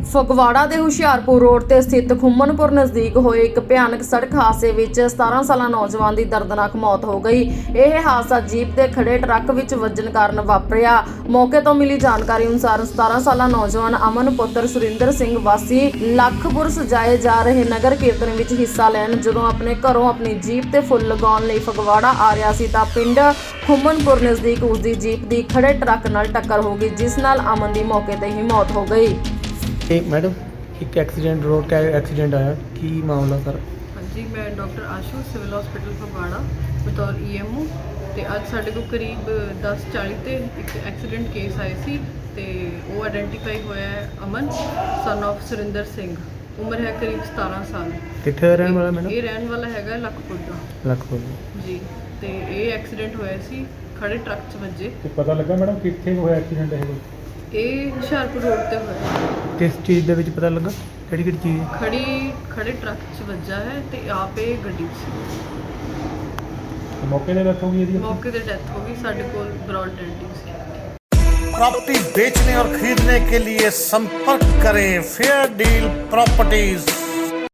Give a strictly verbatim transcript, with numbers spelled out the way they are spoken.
ਫਗਵਾੜਾ ਦੇ ਹੁਸ਼ਿਆਰਪੁਰ ਰੋਡ ਤੇ ਸਥਿਤ ਖੁੰਮਨਪੁਰ ਨਜ਼ਦੀਕ ਹੋਏ ਇੱਕ ਭਿਆਨਕ ਸੜਕ ਹਾਦਸੇ ਵਿੱਚ ਸਤਾਰਾਂ ਸਾਲਾ ਨੌਜਵਾਨ ਦੀ ਦਰਦਨਾਕ ਮੌਤ ਹੋ ਗਈ। ਇਹ ਹਾਦਸਾ ਜੀਪ ਤੇ ਖੜੇ ਟਰੱਕ ਵਿੱਚ ਵੱਜਣ ਕਾਰਨ ਵਾਪਰਿਆ। ਮੌਕੇ ਤੋਂ ਮਿਲੀ ਜਾਣਕਾਰੀ ਅਨੁਸਾਰ ਸਤਾਰਾਂ ਸਾਲਾ ਨੌਜਵਾਨ ਅਮਨ ਪੁੱਤਰ ਸੁਰਿੰਦਰ ਸਿੰਘ ਵਾਸੀ ਲੱਖਪੁਰ ਸਜਾਏ ਜਾ ਰਹੇ ਨਗਰ ਕੀਰਤਨ ਵਿੱਚ ਹਿੱਸਾ ਲੈਣ ਜਦੋਂ ਆਪਣੇ ਘਰੋਂ ਆਪਣੀ ਜੀਪ ਤੇ ਫੁੱਲ ਲਗਾਉਣ ਲਈ ਫਗਵਾੜਾ ਆ ਰਿਹਾ ਸੀ ਤਾਂ ਪਿੰਡ ਖੁੰਮਨਪੁਰ ਨਜ਼ਦੀਕ ਉਸ ਦੀ ਜੀਪ ਦੀ ਖੜੇ ਟਰੱਕ ਨਾਲ ਟੱਕਰ ਹੋ ਗਈ, ਜਿਸ ਨਾਲ ਅਮਨ ਦੀ ਮੌਕੇ ਤੇ ਹੀ ਮੌਤ ਹੋ ਗਈ। एक मैडम एक एक्सीडेंट रोड का एक्सीडेंट आया की मामला सर? हाँ जी, मैं doctor Ashu civil hospital Phagwara बतौर ई एम ओ ਤੇ ਅੱਜ ਸਾਡੇ ਕੋਲ ਕਰੀਬ ਦਸ ਚਾਲੀ ਤੇ ਇੱਕ ਐਕਸੀਡੈਂਟ ਕੇਸ ਆਏ ਸੀ ਤੇ ਉਹ ਆਇਡੈਂਟੀਫਾਈ ਹੋਇਆ ਹੈ ਅਮਨ ਸਨ ਆਫ ਸੁਰਿੰਦਰ ਸਿੰਘ, ਉਮਰ ਹੈ ਕਰੀਬ ਸਤਾਰਾਂ ਸਾਲ। ਕਿੱਥੇ ਰਹਿਣ ਵਾਲਾ ਮੈਡਮ? ਇਹ ਰਹਿਣ ਵਾਲਾ ਹੈਗਾ ਲੱਖਪੁਰ ਦਾ। ਲੱਖਪੁਰ ਜੀ, ਤੇ ਇਹ ਐਕਸੀਡੈਂਟ ਹੋਇਆ ਸੀ ਖੜੇ ਟਰੱਕ 'ਚ ਵੱਜੇ। ਤੇ ਪਤਾ ਲੱਗਾ ਮੈਡਮ ਕਿੱਥੇ ਹੋਇਆ ਐਕਸੀਡੈਂਟ ਇਹ? ਇਹ ਹੁਸ਼ਿਆਰਪੁਰ ਰੋਡ ਤੇ ਹੋਇਆ। ਕਿਸ ਚੀਜ਼ ਦੇ ਵਿੱਚ ਪਤਾ ਲੱਗਾ? ਕਿਹੜੀ ਕਿਹੜੀ ਚੀਜ਼? ਖੜੀ ਖੜੇ ਟਰੱਕ 'ਚ ਵੱਜਾ ਹੈ ਤੇ ਆਪ ਇਹ ਗੱਡੀ 'ਚ ਸੀ। ਤੇ ਮੌਕੇ ਤੇ ਡੈਥ ਹੋ ਗਈ ਇਹਦੀ? ਮੌਕੇ ਤੇ ਡੈਥ ਹੋ ਗਈ। ਸਾਡੇ ਕੋਲ ਬ੍ਰੌਡ ਡੈਡ ਸੀ। प्रॉपर्टी बेचने और खरीदने के लिए संपर्क करें फेयर डील प्रॉपर्टीज।